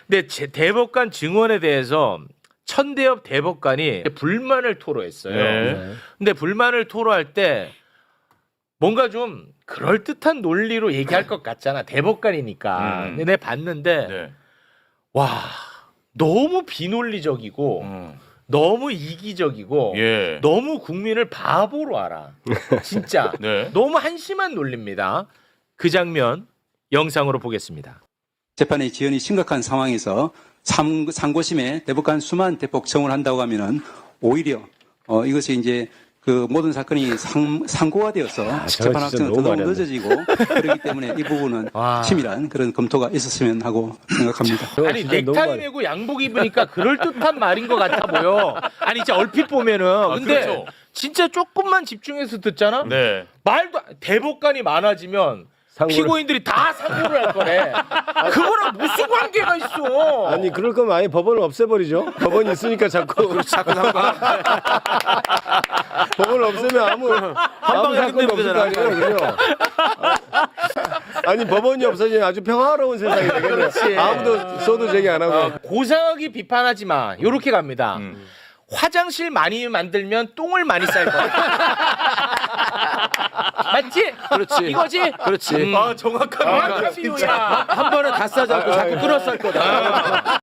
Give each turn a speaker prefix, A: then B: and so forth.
A: 근데 대법관 증언에 대해서 천대엽 대법관이 불만을 토로했어요.
B: 네.
A: 근데 불만을 토로할 때 뭔가 좀 그럴듯한 논리로 얘기할 것 같잖아. 대법관이니까. 근데 내가 봤는데
B: 네.
A: 와 너무 비논리적이고 너무 이기적이고
B: 예.
A: 너무 국민을 바보로 알아. 진짜
B: 네.
A: 너무 한심한 논리입니다. 그 장면 영상으로 보겠습니다.
C: 재판의 지연이 심각한 상황에서 상고심에 대법관 수만 대폭 청을 한다고 하면은 오히려 이것이 이제 그 모든 사건이 상고가 되어서 재판 확정은 너무 늦어지고 그렇기 때문에 이 부분은 치밀한 그런 검토가 있었으면 하고 생각합니다.
A: 아니 넥타이 메고 양복 입으니까 그럴듯한 말인 것 같아 보여. 아니 진짜 얼핏 보면은 근데
B: 그렇죠.
A: 진짜 조금만 집중해서 듣잖아.
B: 네.
A: 말도 대법관이 많아지면 피고인들이 다 상고를 할 거래. 그거랑 무슨 관계가 있어?
D: 아니 그럴 거면 아예 법원을 없애버리죠. 법원이 있으니까 자꾸 법원을 없애면 아무 사건도 없을 거 아니에요. 그죠? 아니 법원이 없어지면 아주 평화로운 세상이 되겠네. 아무도 써도 제기 안 하고.
A: 고상하게 비판하지 마. 요렇게 갑니다. 화장실 많이 만들면 똥을 많이 쌀 거야. 맞지?
E: 그렇지.
A: 이거지?
E: 그렇지.
A: 정확한 비유야.
E: 한 번에 다 싸지 않고 자꾸 끌어 쌀 거다.